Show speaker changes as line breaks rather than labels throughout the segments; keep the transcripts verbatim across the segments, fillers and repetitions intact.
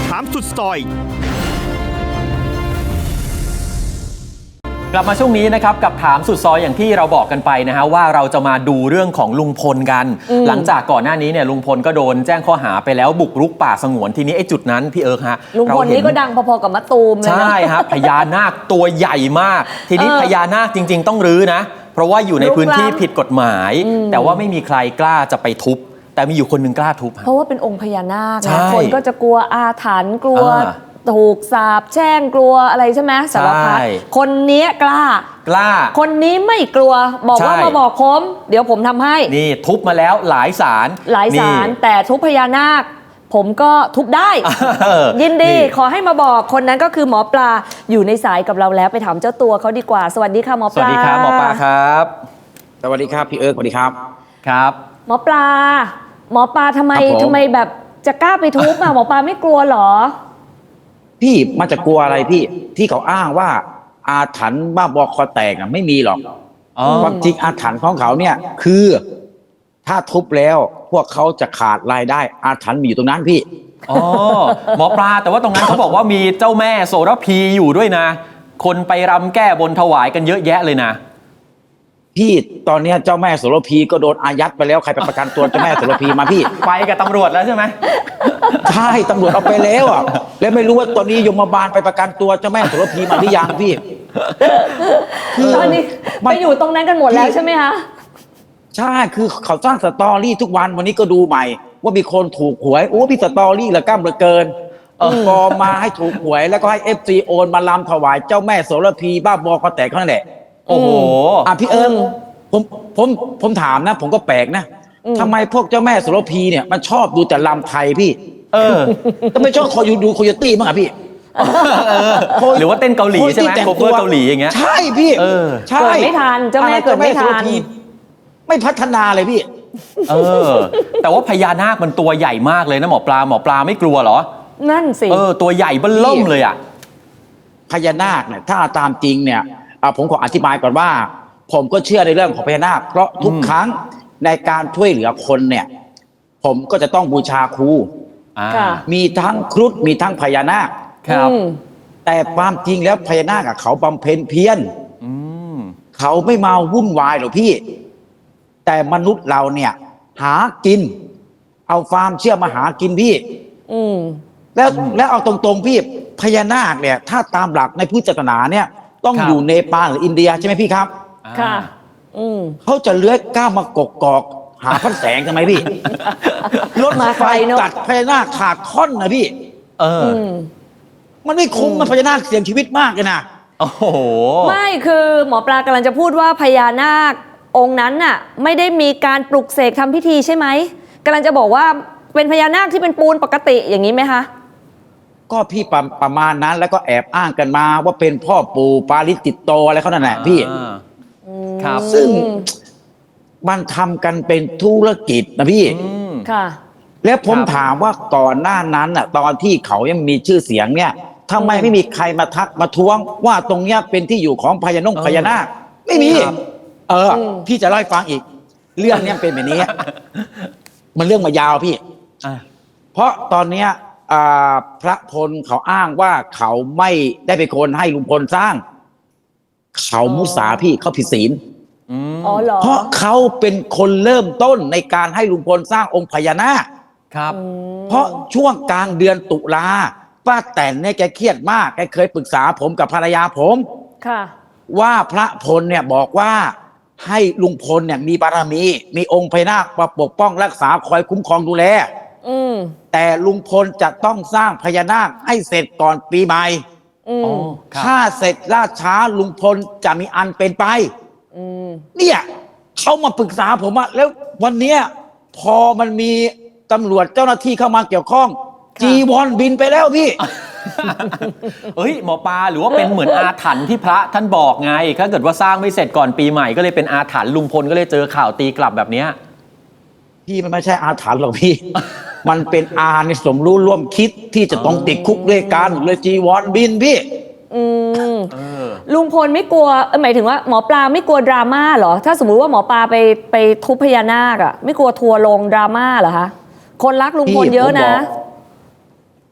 ถามสุดซอย
กลับมาช่วงนี้นะครับกับถามสุดซอยอย่างที่เราบอกกันไปนะฮะว่าเราจะมาดูเรื่องของลุงพลกันหลังจากก่อนหน้านี้เนี่ยลุงพลก็โดนแจ้งข้อหาไปแล้วบุกรุกป่าสงวนทีนี้ไอ้จุดนั้นพี่เอิร์กฮะ
ลุงพลนี่ก็ดังพอๆกับมะตูมเลยนะ
ใช่ครับพญานาคตัวใหญ่มากทีนี้พญานาคจริงๆต้องรื้อนะเพราะว่าอยู่ในพื้นที่ผิดกฎหมายแต่ว่าไม่มีใครกล้าจะไปทุบแต่มีอยู่คนหนึ่งกล้าทุบ
เพราะว่าเป็นองค์พญานาคนะคนก็จะกลัวอาถรรพ์กลัวถูกสาปแช่งกลัวอะไรใช่ไหมสารพัดคนนี้กล้าก
ล้า
คนนี้ไม่กลัวบอกว่ามาบอกผมเดี๋ยวผมทำให้
นี่ทุบมาแล้วหลายศาล
หลายศาลแต่ทุบพญานาคผมก็ทุบได้ยินดีขอให้มาบอกคนนั้นก็คือหมอปลาอยู่ในสายกับเราแล้วไปถามเจ้าตัวเขาดีกว่าสวัสดีค่ะหมอปลา
สวัสดีครับหมอปลาครับ
สวัสดีครับพี่เอิร์กสวัสดีครับ
ครับ
หมอปลาหมอปลาทำไมทำไมแบบจะกล้าไปทุบอ่ะหมอปลาไม่กลัวหรอ
พี่มันจะกลัวอะไรพี่ที่เขาอ้างว่าอาถรรพ์บ้าบอคอแตกอ่ะไม่มีหรอกความจริงอาถรรพ์ของเขาเนี่ยคือถ้าทุบแล้วพวกเขาจะขาดรายได้อาถรรพ์มีอยู่ตรงนั้นพี่
อ๋อหมอปลาแต่ว่าตรงนั้นเขาบอกว่ามีเจ้าแม่โสระพีอยู่ด้วยนะคนไปรำแก้บนถวายกันเยอะแยะเลยนะ
พี่ตอนนี้เจ้าแม่โสระพีก็โดนอายัดไปแล้วใครไปประกันตัวเจ้าแม่โสระพีมาพี่
ไปกับตำรวจแล้วใช่ไหม
ใช่ตำรวจเอาไปแล้วอ่ะแล้วไม่รู้ว่าตอนนี้ยมบาลไปประกันตัวเจ้าแม่โสระพีมาหรือยังพี่
คือตอนนี้ไปอยู่ตรงนั้นกันหมดแล้วใช่ไหมคะ
ใช่คือเขาสร้างสตอรี่ทุกวันวันนี้ก็ดูใหม่ว่ามีคนถูกหวยโอ้พี่สตอรี่ละก้ามเหลือเกินพอมาให้ถูกหวยแล้วก็ให้เอฟซีโอนมาลำถวายเจ้าแม่โสระพีบ้าบอคอแตกเขาแหละ
โอ้โห
อ่ะพี่เอิญผมผมผมถามนะผมก็แปลกนะทำไมพวกเจ้าแม่โสระพีเนี่ยมันชอบดูแต่ลำไทยพี่เออก็ไม่ชอบคอยดูโคโยตี้มั้งอ่ะพี่
หรือว่าเต้นเกาหลีใช่ไหมโคเวอร์เกาหลีอย่างเงี้ย
ใช่พี่
ใช่เกิดไม่ทันเจ้าแม่เกิดไม่ทัน
ไม่พัฒนาเลยพี่
เออแต่ว่าพญานาคมันตัวใหญ่มากเลยนะหมอปลาหมอปลาไม่กลัวเหรอ
นั่นสิ
เออตัวใหญ่เบิ้ลล่มเลยอ่ะ
พญานาคเนี่ยถ้าตามจริงเนี่ยผมขออธิบายก่อนว่าผมก็เชื่อในเรื่องของพญานาคเพราะทุกครั้งในการช่วยเหลือคนเนี่ยผมก็จะต้องบูชาครูมีทั้งครุฑมีทั้งพญานาค
ครับ
แต่ความจริงแล้วพญานาคเขาบำเพ็ญเพียรเขาไม่มาวุ่นวายหรอกพี่แต่มนุษย์เราเนี่ยหากินเอาความเชื่อมาหากินพี่แล้วแล้วเอาตรงๆพี่พญานาคเนี่ยถ้าตามหลักในพุทธศาสนาเนี่ยต้องอยู่เนปาลหรืออินเดียใช่ไหมพี่ครับ
ค่ะ
เขาจะเลื้อยก้าวมากกกอกหาพันแสงทำไมพี่รถไฟตัดพญานาคขาดค่อนนะพี่
เออ
มันไม่คุ้มมันพญานาคเสี่ยงชีวิตมากเลยนะ
โอ้โห
ไม่คือหมอปลากำลังจะพูดว่าพญานาคองค์นั้นน่ะไม่ได้มีการปลุกเสกทำพิธีใช่ไหมกำลังจะบอกว่าเป็นพญานาคที่เป็นปูนปกติอย่างนี้ไหมคะ
ก็พี่ประประมาณนั้นแล้วก็แอบอ้างกันมาว่าเป็นพ่อปู่ปาริจิตโตอะไรเขานั่นแหละพี่
ครับ
ซึ่งมันทำกันเป็นธุรกิจนะพี่
ค่ะ
แล้วผมถามว่าก่อนหน้านั้นอ่ะตอนที่เขายังมีชื่อเสียงเนี่ยทำไมไม่มีใครมาทักมาท้วงว่าตรงเนี้ยเป็นที่อยู่ของพญานงพญานาคไม่มีเออพี่จะเล่าให้ฟังอีกเรื่องเนี้ยเป็นแบบนี้มันเรื่องมายาวพี่เพราะตอนเนี้ยพระพลเขาอ้างว่าเขาไม่ได้เป็นคนให้ลุงพลสร้างเขามุสาพี่เขาผิดศีลเพราะเขาเป็นคนเริ่มต้นในการให้ลุงพลสร้างองค์พญานาค
ครับ
เพราะช่วงกลางเดือนตุลาป้าแต่นเนี่ยแกเครียดมากแกเคยปรึกษาผมกับภรรยาผม
ค่ะ
ว่าพระพลเนี่ยบอกว่าให้ลุงพลเนี่ยมีบารมีมีองค์พญานาคมาปกป้องรักษาคอยคุ้มครองดูแลแต่ลุงพลจะต้องสร้างพญานาคให้เสร็จก่อนปีใหม่ถ้าเสร็จล่าช้าลุงพลจะมีอันเป็นไปเนี่ยเขามาปรึกษาผมว่าแล้ววันเนี้ยพอมันมีตำรวจเจ้าหน้าที่เข้ามาเกี่ยวข้องจีวรบินไปแล้วพี่
เฮ้ยหมอปลาหรือว่าเป็นเหมือนอาถรรพ์ที่พระท่านบอกไงถ้าเกิดว่าสร้างไม่เสร็จก่อนปีใหม่ก็เลยเป็นอาถรรพ์ลุงพลก็เลยเจอข่าวตีกลับแบบเนี้ย
พี่มันไม่ใช่อาถรรพ์หรอกพี่มันเป็นอาในสมรู้ร่วมคิดที่จะต้องติดคุกด้วยกันเลยจีวรบินพี่
ลุงพลไม่กลัวหมายถึงว่าหมอปลาไม่กลัวดราม่าเหรอถ้าสมมุติว่าหมอปลาไปไปทุบพญานาคอะไม่กลัวทัวร์ลงดราม่าเหรอคะคนรักลุงพลเยอะนะ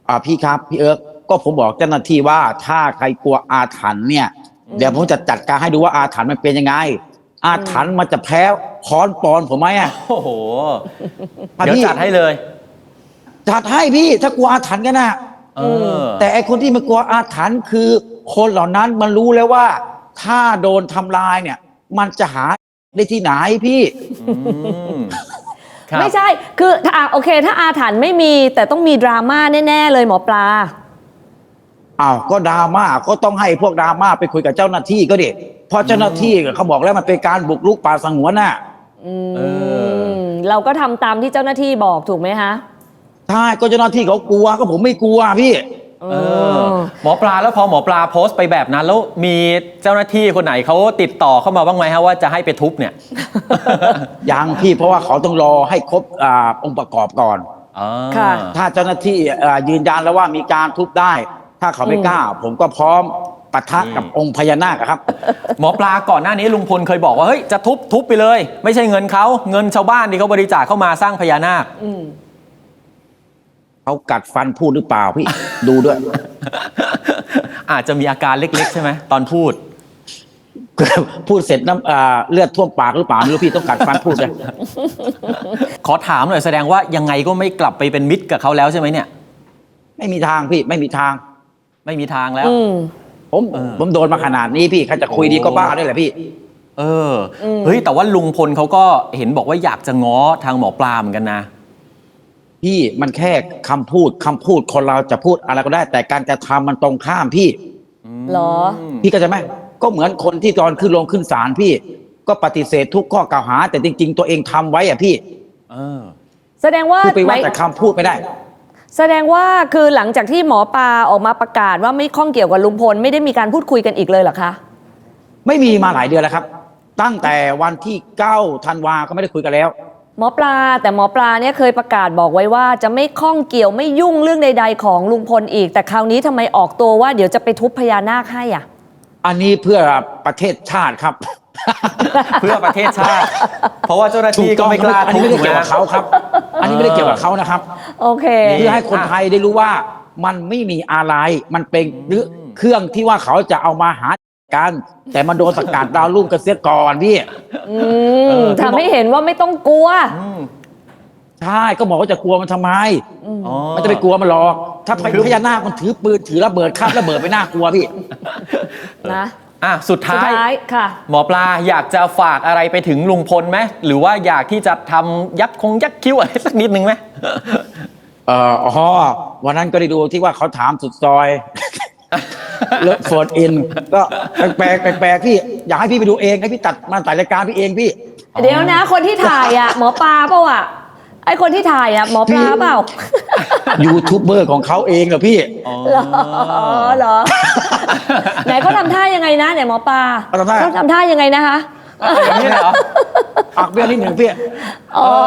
อ่าพี่ครับพี่เอิร์กก็ผมบอกเจ้าหน้าที่ว่าถ้าใครกลัวอาถรรพ์เนี่ยเดี๋ยวผมจะจัดการให้ดูว่าอาถรรพ์มันเป็นยังไง อาถรรพ์มันจะแพ้ค้อนปอนผมไหมอ่ะ
โอ้โห
อ่ะ
เดี๋ยว
พี่
จัดให้เลย
จัดให้พี่ถ้ากลัวอาถรรพ์กันนะ
เออ
แต่ไอคนที่มันกลัวอาถรรพ์คือคนเหล่านั้นมันรู้แล้วว่า ถ้าโดนทำลายเนี่ย มันจะหาได้ที่ไหนพี่
อืมครับ
ไม่ใช่ คือถ้าอ่ะโอเค ถ้าอาถรรพ์ไม่มี แต่ต้องมีดราม่าแน่ ๆ เลยหมอปลา
อ้าวก็ดราม่าก็ต้องให้พวกดราม่าไปคุยกับเจ้าหน้าที่ก็ดิเพราะเจ้าหน้าที่เขาบอกแล้วมันเป็นการบุกรุกป่าสงวนน่ะ
เออ
มเราก็ทำตามที่เจ้าหน้าที่บอกถูกไหมคะ
ใช่ก็เจ้าหน้าที่เขากลัวก็ผมไม่กลัวพี่
เออหมอปลาแล้วพอหมอปลาโพสต์ไปแบบนั้น แล้วมีเจ้าหน้าที่คนไหนเขาติดต่อเข้ามาบ้างไหมฮะว่าจะให้ไปทุบเนี่ย
ยังพี่เพราะว่าเขาต้องรอให้ครบอ่าองค์ประกอบก่อน
อ่า
ค่ะ
ถ้าเจ้าหน้าที่อ่ายืนยันแล้วว่ามีการทุบได้ ถ้าเขาไม่กล้า ผมก็พร้อมปะทะกับองค์พญานาคอะครับ
หมอปลาก่อนหน้านี้ลุงพลเคยบอกว่าเฮ้ยจะทุบทุบไปเลย ไม่ใช่เงินเขาเงินชาวบ้านที่เขาบริจาคเข้ามาสร้างพญานาค
อืม
เขากัดฟันพูดหรือเปล่าพี่ ดูด้วย
อาจจะมีอาการเล็กๆใช่ไหมตอนพูด
พูดเสร็จน้ำอ่าเลือดท่วมปากหรือเปล่าไม่รู้พี่ต้องกัดฟันพูดเลย
ขอถามหน่อยแสดงว่ายังไงก็ไม่กลับไปเป็นมิตรกับเขาแล้วใช่ไหมเนี่ย
ไม่มีทางพี่ไม่มีทาง
ไม่มีทางแล้ว
อืม
ผม
เออ
ผมโดนมาขนาดนี้พี่ใครจะคุยดีก็บ้าด้วยแหละพี่
เอออเฮ้ยแต่ว่าลุงพลเขาก็เห็นบอกว่าอยากจะง้อทางหมอปลาเหมือนกันนะ
พี่มันแค่คำพูดคำพูดคนเราจะพูดอะไรก็ได้ แต่การกระทำมันตรงข้ามพี่
เหรอ
พี่ก็จะไหมก็เหมือนคนที่ตอนขึ้นลงขึ้นศาลพี่ ก็ปฏิเสธทุกข้อกล่าวหา แต่จริง ๆ ตัวเองทำไว้อะพี่
เออ
แสดงว่า
พูดไปว่า
หมาย
แต่คำพูดไม่ได้
แสดงว่าคือหลังจากที่หมอปลาออกมาประกาศว่าไม่ข้องเกี่ยวกับลุงพลไม่ได้มีการพูดคุยกันอีกเลยเหรอคะ
ไม่มีมาหลายเดือนแล้วครับ ตั้งแต่วันที่เก้าธันวาก็ไม่ได้คุยกันแล้ว
หมอปลาแต่หมอปลาเนี่ยเคยประกาศบอกไว้ว่าจะไม่ข้องเกี่ยวไม่ยุ่งเรื่องใด ๆ ของลุงพลอีก แต่คราวนี้ทำไมออกตัวว่าเดี๋ยวจะไปทุบพญานาคให้อ่ะ
อันนี้เพื่อประเทศชาติครับ
เพื่อประเทศชาติ เพราะว่าเจ้าหน้าที่ก็ไม่กล้า
อัน
ทุ
นี้
บ
ไม่ได้
ถูกไหม
เกี่ยวกับเขาครับ อันนี้ไม่ได้เกี่ยวกับเขานะครับ
โอเค
นี่
เพื่อให้คนไทยได้รู้ว่ามันไม่มีอะไร มันเป็นหรือเครื่องที่ว่าเขาจะเอามาหากัน แต่มันโดนสกัดดาวรุ่งกันเสียก่อนพี่
อื
เอ
ม
อ
ทำให้เห็นว่าไม่ต้องกลัว
อืม
ใช่ก็บอกว่าจะกลัวมันทำไม
อ๋อ
มันจะไปกลัวมันหรอก ถ้า
คือ
พญานาคมันถือปืนถือระเบิดข้ามระเบิดไปน่ากลัวพี่
นะ
อ่ะสุด
สุด
ท้าย
ท้ายค่ะ
หมอปลาอยากจะฝากอะไรไปถึงลุงพลไหมหรือว่าอยากที่จะทำยักษ์คงยักษ์คิ้วอะไรสักนิดนึงไหม
เอ่ออ๋อวันนั้นก็ได้ดูที่ว่าเขาถามสุดซอย เลิฟโฟนอินก็แปลกๆแปลกๆพี่อยากให้พี่ไปดูเองให้พี่ตัดมาตัดรายการพี่เองพี่
เดี๋ยวนะ คนที่ถ่ายอ่ะ หมอปลาเปล่าอ่ะไอคนที่ถ่ายอ่ะหมอปลาเปล่า
ยูทูบเบอร์ของเขาเองเหรอพี่
อ๋อ
เหรอเหรอ ไหนเขาทำท่ายังไงนะไหนหมอปลา
เขาทำท่า
เขาทำท่ายังไงนะคะ
อย่างนี้เลยเหรอ
อักเบี้ยวนิดหนึ่งพี่
อ๋อ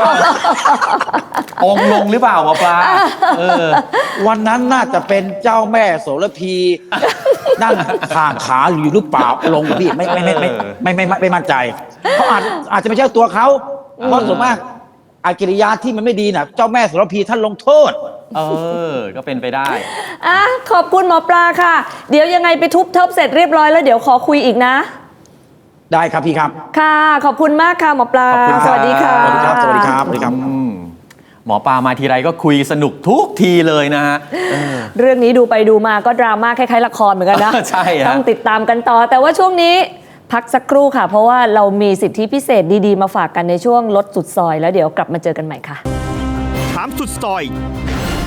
องค์ลงหรือเปล่าหมอปลาเออ
วันนั้นน่าจะเป็นเจ้าแม่โสระพี นั่งข่างขาอยู่หรือเปล่าลงพี่ไม่ไม่ไม่ไม่ไม่ไม่ไม่ไม่มั่นใจเขาอาจอาจจะไม่ใช่ตัวเขาเพราะส่วนมากอากิริยาที่มันไม่ดีน่ะ เจ้าแม่โสระพีท่านลงโทษ
เออ ก็เป็นไปได้
อ่ะขอบคุณหมอปลาค่ะ เดี๋ยวยังไงไปทุบเทิบเสร็จเรียบร้อยแล้วเดี๋ยวขอคุยอีกนะ
ได้ครับพี่ครับ
ค่ะ ขอบคุณมากค่ะหมอปลา
ขอบคุณครับ
สวัสดีค่ะ
สวัสดีครับสวัสดีครับสวัสดีครับ
อืมหมอปลามาทีไรก็คุยสนุกทุกทีเลยนะฮะเออ
เรื่องนี้ดูไปดูมาก็ดราม่าคล้ายๆละครเหมือนกันนะ
ใช่ฮะ
ต้องติดตามกันต่อ แต่ว่าช่วงนี้พักสักครู่ค่ะ เพราะว่าเรามีสิทธิพิเศษดีๆ มาฝากกันในช่วงลดสุดซอย แล้วเดี๋ยวกลับมาเจอกันใหม่ค่ะ
ถามสุดซอย